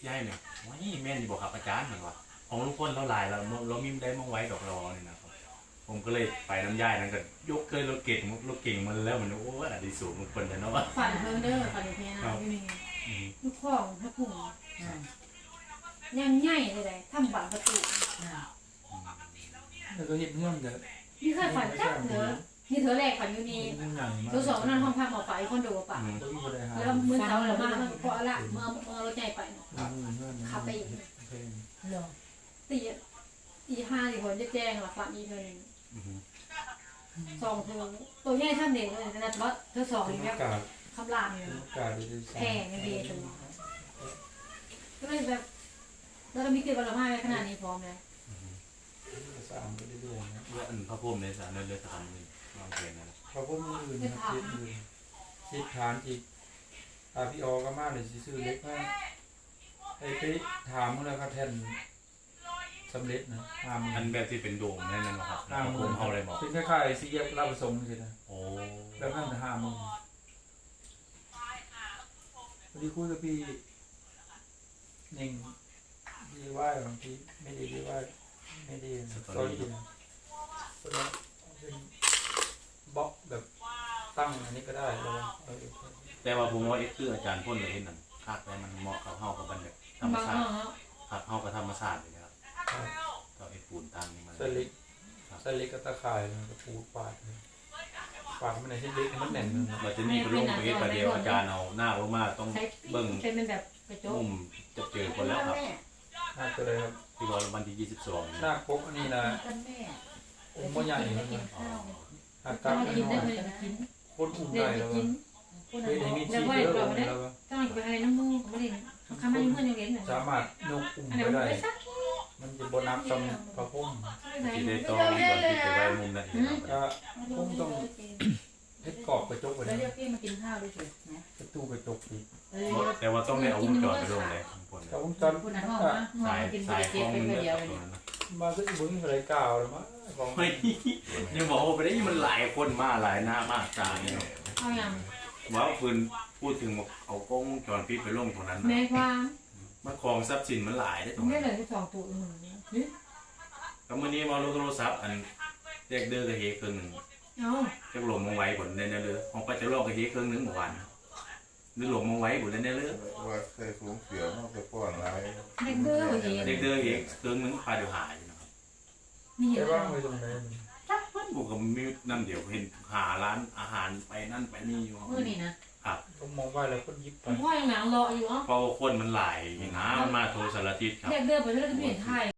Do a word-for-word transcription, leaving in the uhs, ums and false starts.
ยายเนี่ยว้ายแม่นดีบอกครับอาจารย์เหมือนว่าของลุงพลเราหลายเราเรามีได้มองไว้ดอกรอเนี่ยนะครับผมก็เลยไปน้ำย่ายนั้นก็ยกเคยรถเก่งรถเก่งมันแล้วมันโอ้อดีสูงลุงพลเลยเนาะฝันเพิ่งเด้อฝันเพียนะพี่มีลูกของถ้าผุ่งยังใหญ่เลยเลยทำบัตรประตูแล้วก็เห็นเงื่อนกันนี่เคยฝันจักเถอะนี่เธอแรกฝันอยู่นี่เธอสองนั่นห้องพักหมอไปคอนโดป่ะแล้วมือเสาหรือมาเพราะอะไรเมื่อเมื่อรถใหญ่ไปขับไปอีกตีตีห้าสี่คนจะแจ้งหลักฝันอีกเธอหนึ่งสองเธอตัวใหญ่ท่านเด็กเลยแต่ว่าเธอสองนี่แบบคำรามแพงเงินเดือนตัวก็เลยแบบแล้วก็มีเกิดบารมีขนาดนี้พร้อมเลยสามไปเรื่อยๆนะเรื่องอันพระพรหมในสารเลือดทำนี่วางเพลงนะพระพุทธอื่นนะคิดอื่นคิดฐานอีกอาพี่ออก็มากเลยซื้อเล็กมากไอ้พี่ถามมึงแล้วก็แทนสำเร็จนะห้ามืออันแบบที่เป็นโดมนั่นนะครับห้ามือเขาเลยบอกเป็นคล้ายๆสี่แยกลาบประสงค์ใช่ไหมโอ้แล้วนั่นห้ามือวันนี้คุยกับพี่หนึ่งดีว่าบางทีไม่ดีดีว่าไม่ดีสตอรี่นะเพราะนั้นเป็นบล็อกแบบตั้งอันนี้ก็ได้แล้วแต่ว่าผมว่าเอ็กซ์คืออาจารย์พ่นเลยเห็นนั่นคาดแต่มันเหมาะกับเฮากับบันเดธรรมชาติครับเฮากับธรรมชาติเลยนะครับก็ไอ้ปูนตันนี่มันสลิกสลิกกับตะข่ายกระปูปาดปาดมันในที่เล็กมันแน่นเลยบัดนี้ไปลงไปเฮ็ดประเดี๋ยวอาจารย์เอาหน้าลงมาต้องเบิ่งเป็นแบบกระจกมุมจะเจอคนแล้วครับหน้าตัวเลยครับที่ว่าวันที่ยี่สิบสองหน้าปกอันนี้นะองค์พ่อใหญ่เลยหักกลับไปหน่อยคนอุ่นใจแล้วเฮ้ยมีชีเยอะเลยแล้วต้องไปอะไรน้ำมูกไม่ได้คำมันเพื่อนยังเล่นสามารถนกอุ่นไปได้มันจะบนับจำพระพุ่มที่ได้ต้องก่อนที่จะไว้มุมนั้นก็พุ่มต้องเพชรกรอบกระจกไปแล้วเรียกพี่มากินข้าวด้วยสินะประตูกระจกอีกแต่ว่าต้องได้เอาวงจรไปลงเลยเอาวงจรคุณน้องนะสายสายของมันเดียวมาก็บุ้งอะไรเก่าเลยมั้งไม่ยังบอกว่าไปได้มันหลายคนมาหลายหน้ามากตาเนี่ยเอาอย่างว่าคืนพูดถึงเอากล้องจรปิดไปลงตรงนั้นแม่ความมันคลองทรัพย์สินมันหลายได้ตรงนี้เลยที่สองตัวหนึ่งแล้วมื่อนี้มาลงโทรศัพท์อันเรียกเดือกับเฮครึ่งหนึ่งจะหลงมองไว้บนในนั้นเลยของไปจะลอกกับเฮครึ่งหนึ่งเมื่อวานนึกหลงมองไว้บนในนั้นเลยว่าเคยสูงเสียมากไปป้อนอะไรเด็กเดือกับเฮเด็กเดือเฮครึ่งหนึ่งพาเดี๋ยวหายนะครับแต่ว่าไม่ตรงนั้นจักมันบุกกับมีน้ำเดี๋ยวเห็นหาร้านอาหารไปนั่นไปนี่อยู่เมื่อนี่นะครับก็มองว่าแล้วคนยิบไปพ่อยังหนังรออยู่อ่ะเพราะคนมันหลายนะมาโทรสารทิศครับเด็กเดือไปเรื่อยๆไม่เห็นไทย